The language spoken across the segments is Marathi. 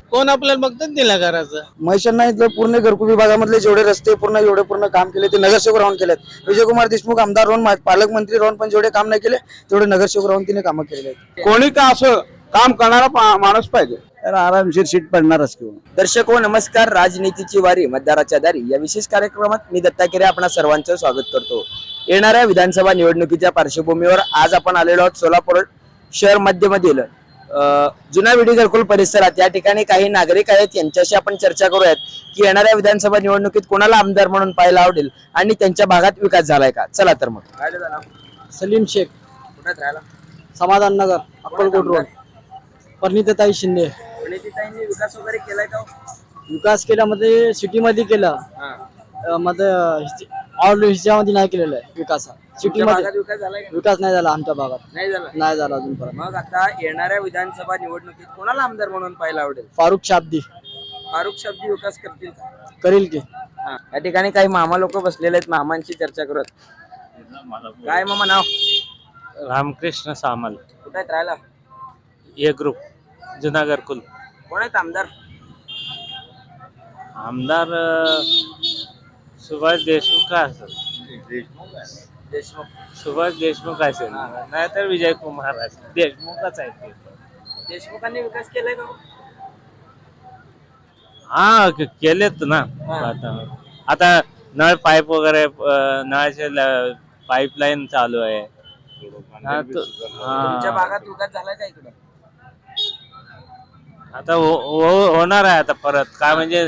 कोण आपल्याला बघतात दिला घराचं. महिषांना इथलं पूर्ण घरकुल विभागामधले जेवढे रस्ते पूर्ण काम केले ते नगरसेवक राहून केलेत। विजयकुमार देशमुख आमदार राहून पालकमंत्री राहून पण जेवढे काम नाही केले तेवढे नगरसेवक राहून तिने कामं केलेले आहेत। कोणी का असं काम करणारा माणूस पाहिजे, तर आरामशीर सीट पडणारच किंवा। दर्शक हो नमस्कार, राजनीतीची वारी मतदाराच्या दारी या विशेष कार्यक्रमात मी दत्ता केरे आपणा सर्वांचं स्वागत करतो। येणाऱ्या विधानसभा निवडणुकीच्या पार्श्वभूमीवर आज आपण आलेलो आहोत सोलापूर शहर मध्यमधील जुना विडी घरकुल परिसरात। या ठिकाणी काही नागरिक आहेत, यांच्याशी आपण चर्चा करूयात की येणाऱ्या विधानसभा निवडणुकीत कोणाला आमदार म्हणून पाहायला आवडेल आणि त्यांच्या भागात विकास झालाय का। चला तर मग। काय झालं? सलीम शेख, कुठे राहिला? समाधान नगर, अक्कलकोट रोड। परिणीताई शिंदे। परिणीताईंनी विकास वगैरे केलाय का? विकास केल्यामध्ये सिटीमध्ये केला, मध्ये ऑल ह्याच्यामध्ये नाही केलेलं आहे विकास। सिटीमध्ये विकास झालाय का? विकास नाही झाला आमच्या भागात, नाही झाला अजूनपर्यंत। मग आता येणाऱ्या विधानसभा निवडणुकीत कोणाला आमदार म्हणून पाहायला आवडेल? फारुख शाब्दी फारुख शाब्दी विकास करतील का? करील की। या ठिकाणी काही मामा लोक बसलेले आहेत, मामांची चर्चा करत। काय मामा नाव? रामकृष्ण सामल, कुठे आहेत राहायला? ए ग्रुप, जुना घरकुल। कोण आहेत आमदार? आमदार सुभाष देशमुख का असेल, देशमुख। सुभाष देशमुख असेल, नाहीतर विजय कुमार असेल। देशमुखच आहे ते। देशमुखांनी विकास केलाय का? हा केलेत ना। आता नळ पाईप वगैरे, नळाचे पाईपलाईन चालू आहे। तुमच्या भागात विकास झालाय का इकडं? आता होणार आहे आता परत। काय म्हणजे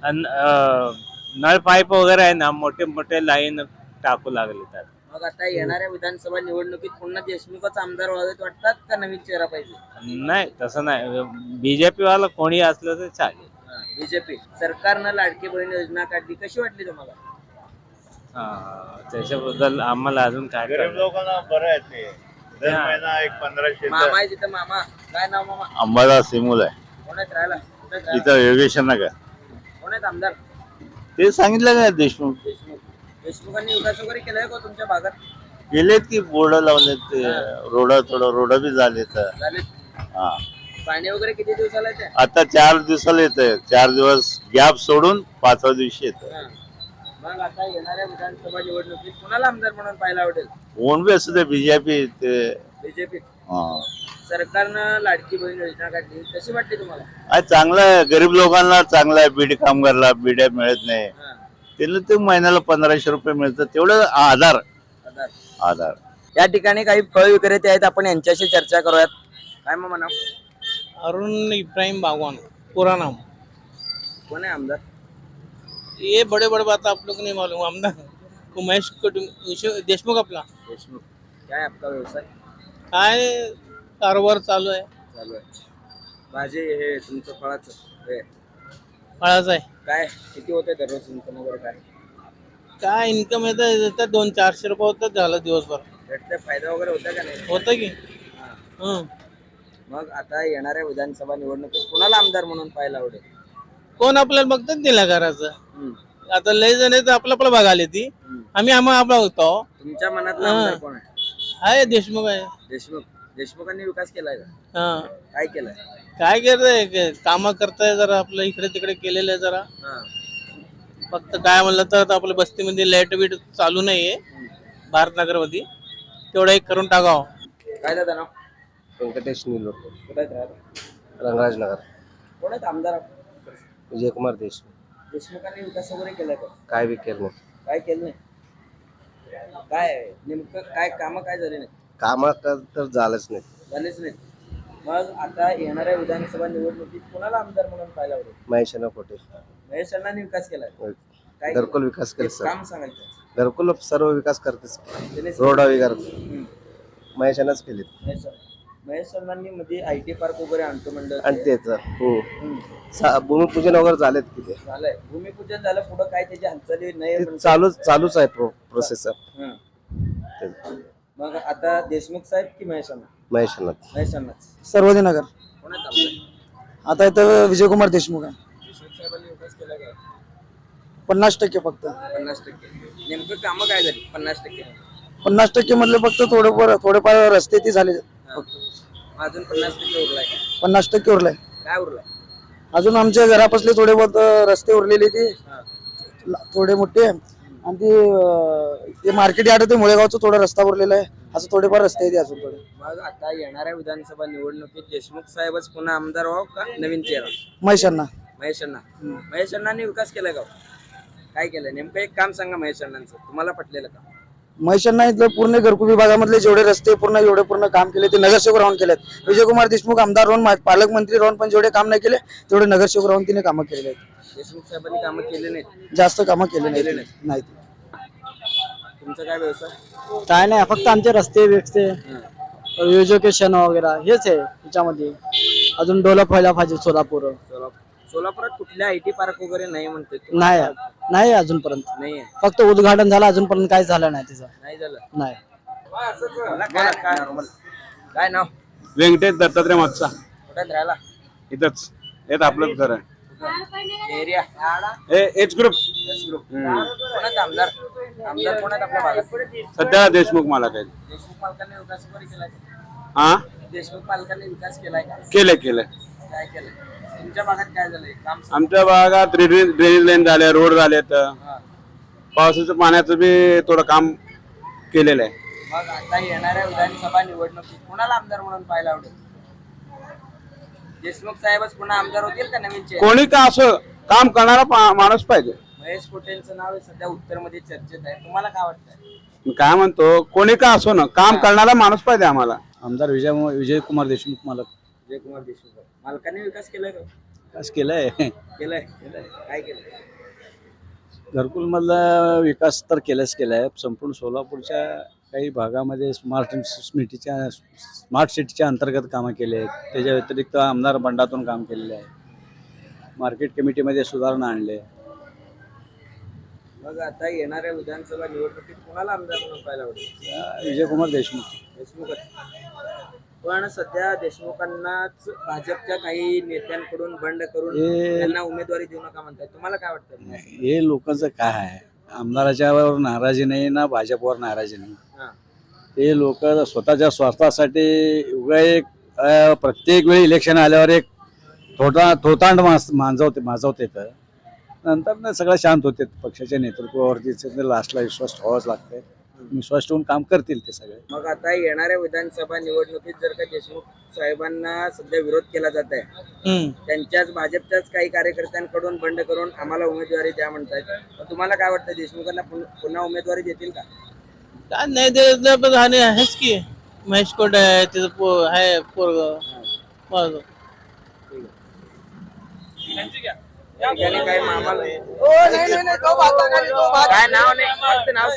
नळ पाईप वगैरे आहे ना, मोठे मोठे लाईन टाकू लागले त्यात। मग आता येणाऱ्या विधानसभा निवडणुकीत पुन्हा देशमुखच आमदार व्हावेत वाटतात का नवीन चेहरा पाहिजे? नाही, तसं नाही। बीजेपी वाला कोणी असलं तर चालेल। बीजेपी सरकारनं लाडकी बहीण योजना काढली, कशी वाटली तुम्हाला? त्याच्याबद्दल आम्हाला अजून काय गरीब लोकांना बरं आहे ते। दर महिना एक 1500 मामा आहे तिथं। मामा काय नाव मामा? अंबादास सिमूल आहे कोण आहेत राहायला? कुठे आहेत राहायला? इथं योगेश नगर। कोण आहेत आमदार? ते सांगितलं का देशमुख देशमुख। देशमुखांनी विकास वगैरे केलाय का तुमच्या भागात? गेलेत की बोर्ड लावलेत ते, रोड बी झाले तर। झाले? हा, पाणी वगैरे किती दिवसाला येते? आता 4 दिवसाला येतंय। 4 दिवस गॅप सोडून 5व्या दिवशी येतं। मग आता येणाऱ्या विधानसभा निवडणुकीत कोणाला आमदार म्हणून पाहायला आवडेल? कोण बी असू दे, बीजेपी ते। बीजेपी। हा, सरकारनं लाडकी बहीण योजना काढली, कशी वाटली तुम्हाला? आज चांगलं आहे, गरीब लोकांना चांगलं आहे। बीडी कामगारला बिड्या मिळत नाही, त्याला ते महिन्याला 1500 रुपये मिळतात, तेवढं आधार। या ठिकाणी काही फळ विक्रेते आहेत, आपण यांच्याशी चर्चा करूयात। काय मग म्हणा? अरुण इब्राहिम बागवान, पूरा नाम। कोण आहे आमदार? ये बड़े बड़े बात आप लोग नहीं मालूम। आमदार उमेश देशमुख अपना। देशमुख। काय आपका व्यवसाय? काय कारोबार चालू आहे। भाजी हे तुमचं फळाचं हे फळाचं आहे। काय किती होते दररोज इन्कम वगैरे? काय इन्कम येतं 200-400 रुपये होतं झालं दिवसभर। भेटते फायदा वगैरे होता का नाही? होतं की। मग आता येणाऱ्या विधानसभा निवडणुकीत कोणाला आमदार म्हणून पाहायला आवडेल? कोण आपल्याला बघतात दिला घराचं। आता लय जण आहेत आपलं बघायला ती, आम्ही आपला होतो। तुमच्या मनातला आमदार कोण आहे? देशमुख आहे। देशमुखांनी विकास केलाय का? काय केलाय? काय करताय, काम करताय जरा, आपलं इकडे तिकडे केलेलं आहे जरा। फक्त काय म्हणलं तर आपल्या बस्तीमध्ये लाईट बीट चालू नाहीये भारतनगर मध्ये, तेवढं एक करून टाकावं। काय दादा नाव? व्यंकटेश नीलोर, कुठे आहेत राहायला? रंगराज नगर। कोण आहेत आमदार? विजयकुमार देशमुख। देशमुखांनी विकास वगैरे केलाय का? काय बी केलं नाही। काय केलं नाही? काय नेमकं काय काम काय झाले नाही? काम तर झालंच नाही। झालेच नाही। मग आता येणाऱ्या विधानसभा निवडणुकीत कोणाला आमदार म्हणून पाहायला आवडेल? महेशांना खोटे। महेश अण्णांनी विकास केलाय? काय घरकुल विकास केला, काम सांगायचं। घरकुल सर्व विकास करतेच, रोड वगैरे महेशांनाच केले। महेश अण्णांनी मध्ये IT पार्क वगैरे आणतो म्हणलं आणि त्याच भूमिपूजन वगैरे झालेत किती झालंय? भूमिपूजन झालं, पुढे काय त्याची हालचाली नाही? चालूच आहे प्रोसेस। मग आता देशमुख साहेब की महेश अण्णा? महेश अण्णाच। सर्वोदय नगर। कोण आहेत आमदार? आता इथं विजयकुमार देशमुख आहे। देशमुख साहेबांनी विकास केला का? 50% फक्त। 50%? नेमकं काम काय झाली? 50%? 50% मधले फक्त थोडेफार रस्ते ती झाले फक्त। अजून 50% उरलाय? 50% उरलाय। काय उरलाय? अजून आमच्या घरापासले थोडे बहुत रस्ते उरलेले ते थोडे मोठे आणि ते मार्केट यार्ड ते मुळेगावचं थोडा रस्ता उरलेला आहे. असं थोडेफार रस्ते आहेत अजून थोडे. मग आता येणाऱ्या विधानसभा निवडणुकीत देशमुख साहेबच पुन्हा आमदार व्हावं का नवीन चेहरा? महेशांना महेश अण्णांनी विकास केलाय का? काय केलंय नेमकं एक काम सांगा महेश अण्णांचं, तुम्हाला पटलेलं का? महेशांना इथलं पूर्ण घरकुल विभागामधले जेवढे रस्ते पूर्ण काम केले ते नगरसेवक राहून केलेत. विजयकुमार देशमुख आमदार राहून पालकमंत्री राहून पण जेवढे काम नाही केले तेवढे नगरसेवक राहून तिने कामं केलेले आहेत. देशमुख साहेबांनी कामं केले नाहीत? जास्त कामं केले नाहीत. तुमचा काय व्यवसाय? काय नाही, फक्त आमचे रस्ते बिस्ते एज्युकेशन वगैरे हेच आहे त्याच्यामध्ये. अजून डेव्हलप व्हायला पाहिजे सोलापूर. सोलापुरात कुठल्या IT पार्क वगैरे नाही म्हणते? नाही अजूनपर्यंत नाही फक्त उद्घाटन झालं, अजूनपर्यंत काही झालं नाही तिचं. नाही झालं. नाही. काय नाव? व्यंकटेश दत्तात्रय मागचा कुठे राहिला? इथंच येत आपलं घर आहे. एरिया एच ग्रुप कोणाचा आमदार कोणाचा आपल्या भागात? सध्या देशमुख मला काय देशमुख पालकांनी विकास वगैरे केलाय? हा देशमुख पालकांनी विकास केलाय का? केलंय. काय केलंय तुमच्या भागात? काय झालंय काम? आमच्या भागात ड्रेनेज लाईन झाले, रोड झालेत, पावसाचं पाण्याचं बी थोडं काम केलेलं आहे. मग आता येणाऱ्या विधानसभा निवडणुकीत कोणाला आमदार म्हणून पाहायला आवडेल? देशमुख साहेबच पुन्हा आमदार होतील का नवीन चेहरा? कोणी का असं काम करणारा माणूस पाहिजे. महेश कोटेंचं नाव सध्या उत्तरमध्ये चर्चेत आहे, तुम्हाला काय वाटतंय? मी काय म्हणतो, कोणी का असो ना, काम करणारा माणूस पाहिजे आम्हाला. आमदार विजयकुमार देशमुख विजयकुमार देशमुख मालकांनी विकास केलाय का? विकास केलाय. केलाय. काय केलंय? घरकुल मधला विकास तर केलाय. संपूर्ण सोलापूरच्या काही भागामध्ये स्मार्ट सिटीच्या अंतर्गत कामं केले आहेत. त्याच्या व्यतिरिक्त आमदार बंडातून काम केलेले आहे. मार्केट कमिटीमध्ये सुधारणा आणले. मग आता येणाऱ्या विधानसभा निवडणुकीत कोणाला आमदार म्हणून पाहायला आवडेल? विजयकुमार देशमुखच. पण सध्या देशमुखांनाच भाजपच्या काही नेत्यांकडून बंड करून त्यांना उमेदवारी देऊ नका म्हणतात, तुम्हाला काय वाटतं? हे लोकांचं काय आहे, आमदाराच्यावर नाराजी नाही ना भाजपवर नाराजी नाही. ते लोक स्वतःच्या स्वार्थासाठी एक प्रत्येक वेळी इलेक्शन आल्यावर एक थोतांड माजवते तर नंतर सगळं शांत होते. पक्षाच्या नेतृत्वावरती लास्टला विश्वास ठेवावाच लागतंय. विश्वास ठेवून काम करतील ते सगळे. मग आता येणाऱ्या विधानसभा निवडणुकीत जर का देशमुख साहेबांना सध्या विरोध केला जात आहे, त्यांच्याच भाजपच्याच काही कार्यकर्त्यांकडून बंड करून आम्हाला उमेदवारी द्या म्हणतात, तुम्हाला काय वाटतं देशमुखांना पुन्हा उमेदवारी देतील का? काय नाही देत पण आहेच की. महेश कोटे आहे, तिचं आहे पोरग. काय मामाला काय नाव नाही फक्त नाव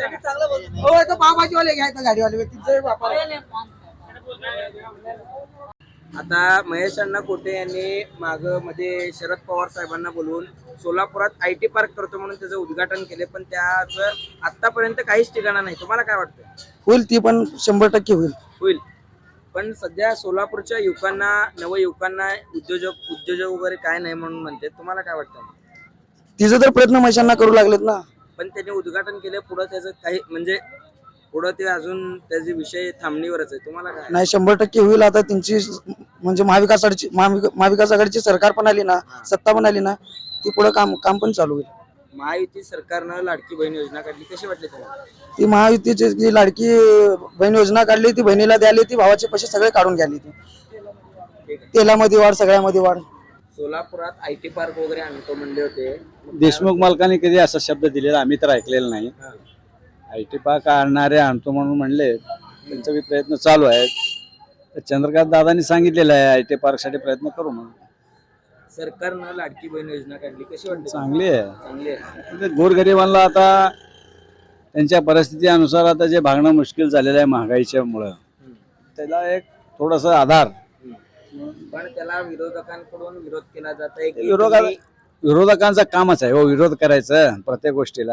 आता महेश अण्णा कोटे यांनी मध्ये शरद पवार साहेबांना बोलवून सोलापुरात IT पार्क करतो म्हणून त्याचं उद्घाटन केले, पण त्याचं आतापर्यंत काहीच ठिकाणा नाही. तुम्हाला काय वाटतं? होईल ती पण 100% होईल. पण सध्या सोलापूरच्या युवकांना नवयुवकांना उद्योजक वगैरे काय नाही म्हणून म्हणते, तुम्हाला काय वाटतं? तिचं तर प्रयत्न महेशांना करू लागलेत ना. पण त्यांनी उद्घाटन केले, पुढे त्याचं काही म्हणजे पुढे ते अजून त्याचे विषय थांबणीवरच आहे, तुम्हाला काय? नाही 100% होईल. आता त्यांची म्हणजे महाविकास आघाडीची सरकार पण आली ना, सत्ता पण आली ना, ती पुढे काम पण चालू होईल. महायुती सरकारनं लाडकी बहीण योजना काढली, कशी वाटली तुम्हाला? ती महायुतीची जी लाडकी बहीण योजना काढली, ती बहिणीला द्याली, ती भावाचे पैसे सगळे काढून घ्याली. ती तेलामध्ये वाढ, सगळ्यामध्ये वाढ. सोलापुरात IT पार्क वगैरे आणतो म्हणले होते, देशमुख मालकांनी कधी असा शब्द दिलेला आम्ही तर ऐकलेला नाही. IT पार्क आणतो म्हणून म्हणले, त्यांचा बी प्रयत्न चालू आहेत. चंद्रकांत दादांनी सांगितलेलं आहे IT पार्क साठी प्रयत्न करू म्हणून. सरकारनं लाडकी बहीण योजना काढली, कशी वाटली? चांगली आहे. चांगली आहे. गोरगरिबांना आता त्यांच्या परिस्थितीनुसार आता जे भागणं मुश्किल झालेलं आहे महागाईच्या मुळे, त्याला एक थोडासा आधार. पण त्याला विरोधकांकडून विरोध केला जात आहे. विरोधकांचं कामच आहे विरोध करायचं. प्रत्येक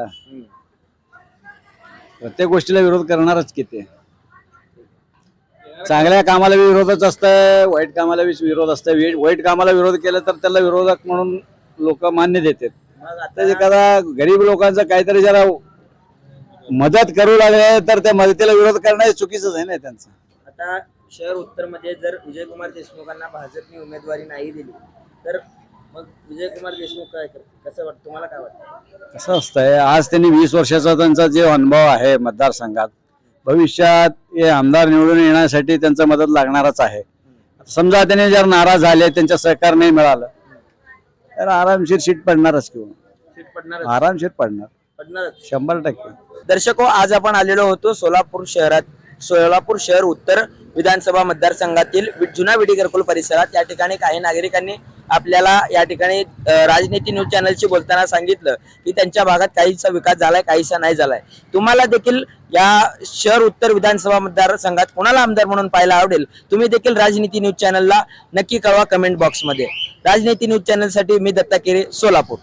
गोष्टीला विरोध करणारच किती. चांगल्या कामाला विरोधच असतंय, वाईट कामाला विरोध असतंय. वाईट कामाला विरोध केला तर त्याला विरोधक म्हणून लोक मान्य देतात. आता एखादा गरीब लोकांचं काहीतरी जरा मदत करू लागले तर त्या मदतीला विरोध करणं चुकीचंच आहे ना त्यांचं. आता शहर उत्तर मध्ये जर विजयकुमार देशमुखांना भाजपने उमेदवारी नाही दिली तर मग विजय कुमार देशमुख काय करते, कसं वाटतं तुम्हाला, काय वाटतं? कसं असतंय, आज त्यांनी 20 वर्षाचा त्यांचा जे अनुभव आहे मतदारसंघात, भविष्यात हे आमदार निवडून येण्यासाठी त्यांचा मदत लागणारच आहे. समजा त्यांनी जर नाराज झाले, त्यांचं सहकार नाही मिळालं, तर आरामशीर सीट पडणारच किंवा सीट पडणार आरामशीर पडणार पडणारच. 100%. दर्शको, आज आपण आलेलो होतो सोलापूर शहर उत्तर विधानसभा मतदारसंघातील जुना विडी घरकुल परिसरात. या ठिकाणी काही नागरिकांनी आपल्याला या ठिकाणी राजनीती न्यूज चॅनलशी बोलताना सांगितलं की त्यांच्या भागात काहीसा विकास झालाय, काहीसा नाही झालाय. तुम्हाला देखील या शहर उत्तर विधानसभा मतदारसंघात कोणाला आमदार म्हणून पाहायला आवडेल, तुम्ही देखील राजनीती न्यूज चॅनलला नक्की कळवा कमेंट बॉक्समध्ये. राजनीती न्यूज चॅनलसाठी मी दत्ता केरे, सोलापूर.